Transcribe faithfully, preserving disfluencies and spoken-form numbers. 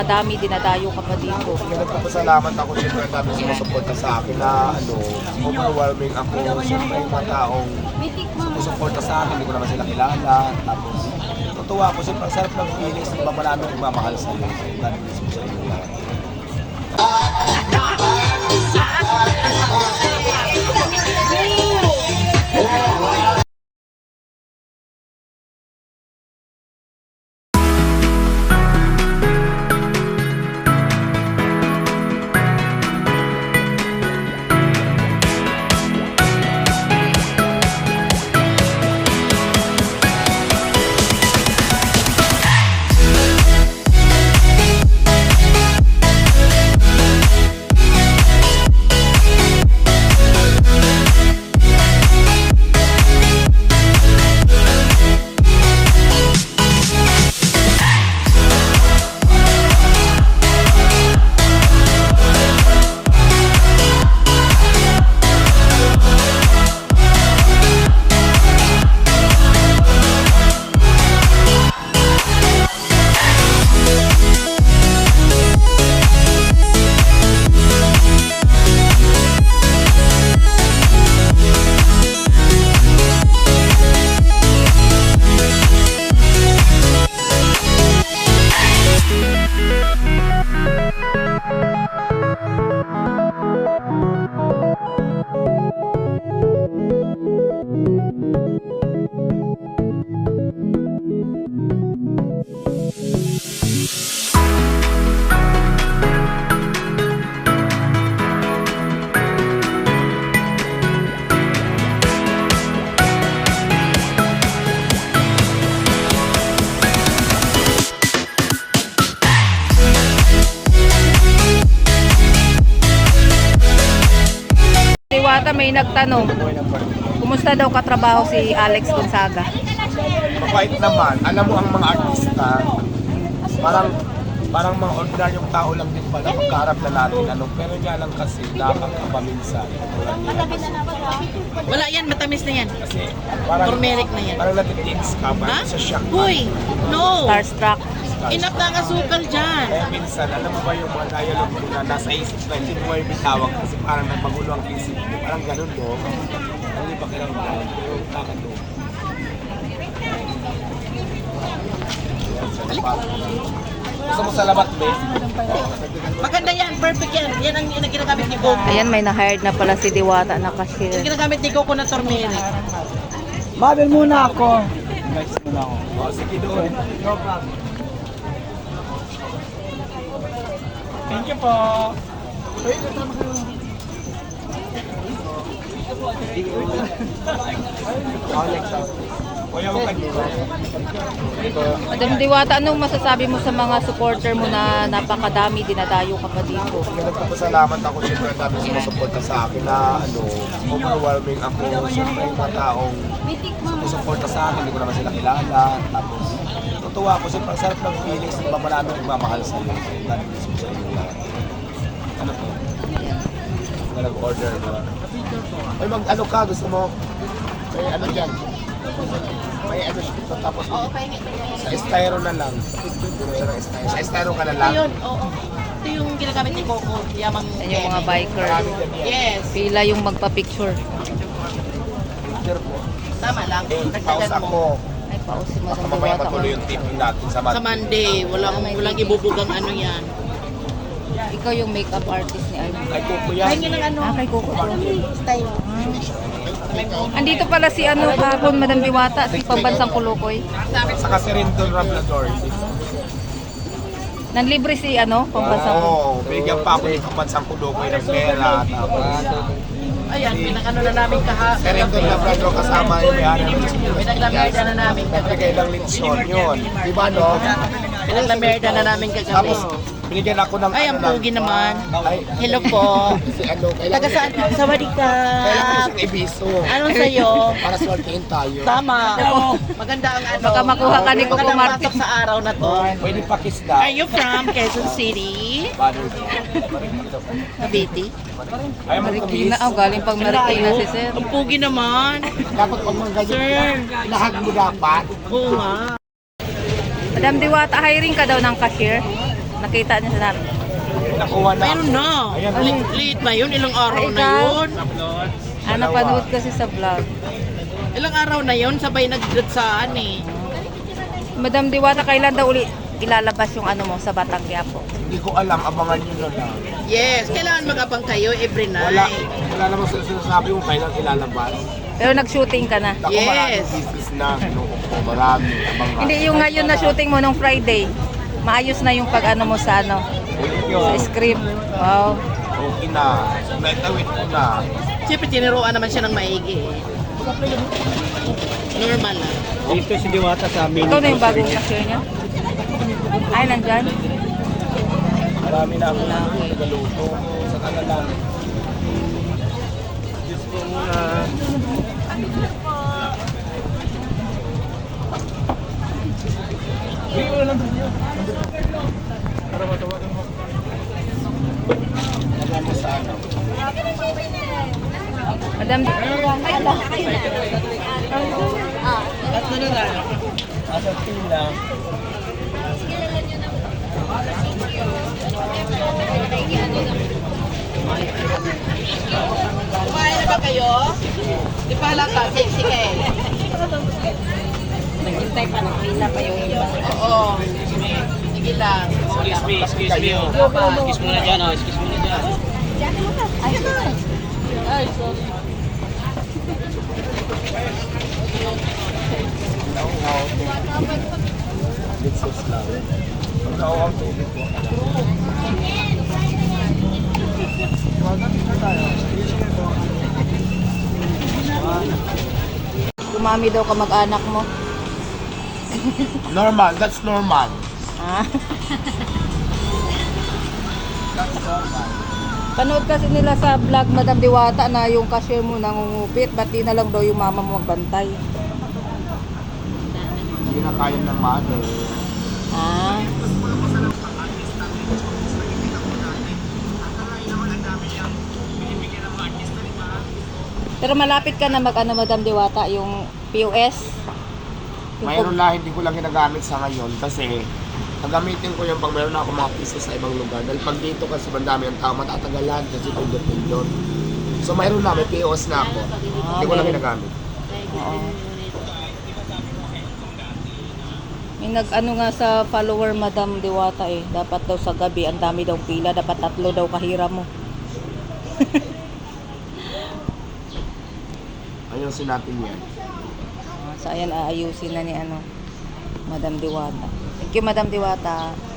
Madami, dinadayo ka pa dito. Nagpapasalamat ako siyempre ang dami sumusuporta sa akin na ano, overwhelming ako. Siyempre yung mga taong sumusuporta sa akin, hindi ko naman sila kilala. Tapos, natuwa ako siyempre ang sarap ng feelings, di ba marami nagmamahal sa iyo. God bless mo sa inyo lahat. Diwata, may nagtanong, kumusta daw katrabaho si Alex Gonzaga? Mabait naman. Alam mo ang mga artista, parang parang mga ordinaryong tao lang din pala pagkaharap na natin. Ano, pero nga lang kasi nakakaba minsan. Wala yan, matamis na yan. Kasi parang, Turmeric na yan. parang natitins ka, Ha? parang sa shock. Uy, no! Starstruck. Enough na ang asukal dyan. Kaya minsan, alam mo ba yung mga dialogue mo na nasa isip na hindi mo yung bitawag kasi parang nagmagulo ang isip mo. Parang ganun, no? Ang iba kiramdam, pero kakalo. Gusto mo sa labat, be? Maganda yan, perfect yan. Yan ang, ang ginagamit ni Coco. Ayan, may na-hired na pala si Diwata na Yan ang cashier. ginagamit ni Coco na turmeric. Mabel muna ako. Next muna ako. O, sige doon. No problem. Thank you po. O, next ako. Kuya, huwag ka dito. Madam Diwata, anong masasabi mo sa mga supporter mo na napakadami, dinadayo ka pa dito? Nagpapasalamat ako siyempre ang dami sumusuporta sa akin na ano, overwhelming ako. Siyempre yung mga taong sumusuporta sa akin, hindi ko naman sila kilala. Tapos, natuwa ako siyempre ang sarap ng feelings, di ba marami nagmamahal sa iyo. God bless mo sa inyo lahat. Ano to? Mga nag-order na. Ay, mag ano ka, gusto mo? May ano dyan? May ano siya, tapos sa styro na lang. Siya ng styro. Sa styro ka na lang. Ayun, oo. Ito yung ginagamit ni Coco. Yamang Yan yung mga biker. Marami dyan yan. Yes, Pila yung magpa-picture. Picture po. tama lang. Eh, pause Nagdagan ako. mo. Ay, paus si Baka Madam mamaya Diwata. matuloy yung taping natin sa mat. Sa Monday, walang, walang ibubugang ano yan. Ikaw yung makeup artist ni Alma. Ay, kuko yan. Pahingi ng ano, Ah, kay Coco. style. Andito pala si ano kahapon, Madam Diwata, si Pambansang Kulukoy. Saka si Rindon Rablador. Nanlibre si ano, Pambansang Kulukoy. Oo, bigyan pa ako ng kapansang kulukoy ng pera. Tapos, Ayan, pinakano na namin kaha. si Rindon Rablador kasama yung may-ari ng Pinaglamerda na namin nagbigay kagabi. ng litsyon yun. Di ba, no? Pinaglamerda na namin kagabi. Tapos, binigyan ako ng Ay, ang ano, ng- pogi naman. Ay, Hello po. si ano, kailangan Taga saan? Sawadee ka. Kailangan ko siyang ibiso. Anong sa'yo? Para swertihin tayo. Tama. Maganda ang ano. Baka makuha ka ni Coco Magandang Martin. pasok sa araw na to. Pwede pakisda. Are you from Quezon City? Cavite? Ayaw mo Marikina, kumis. oh, galing pang Marikina si Sir. Ang pogi naman. Dapat pag mga ganyan, Sir. lahag mo dapat. Oo nga. Madam Diwata, hiring ka daw ng cashier? Nakita niya sa namin. Nakuha na. Mayroon na. Ayan, Late, late na yun. Ilang araw Ay, na ikaw? yun. Ah, napanood kasi sa vlog. Ilang araw na yun. Sabay nagdatsaan eh. Madam Diwata, kailan daw uli ilalabas yung ano mo sa Batang Quiapo? Hindi ko alam, abangan nyo na lang. Yes. Kailangan mag-abang kayo every night. Wala, wala namang sila sinasabi kung kailan ilalabas. Pero nag-shooting ka na. Ako Yes. maraming business na, sinuko ko, marami, abangan. Hindi, yung ngayon na shooting mo nung Friday. Maayos na yung pag ano mo sa ano, sa script. Wow. Okay na, naitawid ko na. Siyempre, tiniruan naman siya ng maigi eh. Normal lang. Dito si Diwata sa amin. Ikaw na yung bagong cashier niya? Ay, nandyan? Marami na ako nagaluto. Sa kanalang. Diyos ko muna. Bigyan mo lang doon yun. Para matawagan mo. Lagyan mo sa ano. Madam, At na lang. Asa pila. Kumain na ba kayo? Di pa halata. Sexy ka eh. naghintay pa ng pila pa yung iba. Oo. Sige lang. Excuse me, excuse me. oh. Excuse mo na dyan, oh. Excuse mo na dyan. Ay, ay, sorry. Nauhaw. Litsos lang. Pag nauhaw, tubig ko. Dumami daw ka mag-anak mo. Normal, that's normal. Ah. That's normal. Panood kasi nila sa vlog, Madam Diwata, na yung cashier mo nangungupit. Ba't di na lang daw yung mama mo magbantay? Hindi na kaya ng mother. Ah. Pero malapit ka na mag-ano, Madam Diwata, yung P O S? Yung Mayroon na, hindi ko lang ginagamit sa ngayon kasi gagamitin ko yung pag meron na ako mga pieces sa ibang lugar. Dahil pag dito kasi bandami ang tao, matatagalan kasi pindot-pindot. So mayroon na, may P O S na ako. Hindi ko lang ginagamit. Oo. May nag-ano nga sa follower, Madam Diwata eh. Dapat daw sa gabi, ang dami daw pila. Dapat tatlo daw kahira mo. Ayusin natin yan. Ah, so ayan, aayusin na ni ano, Madam Diwata. Thank you, Madam Diwata.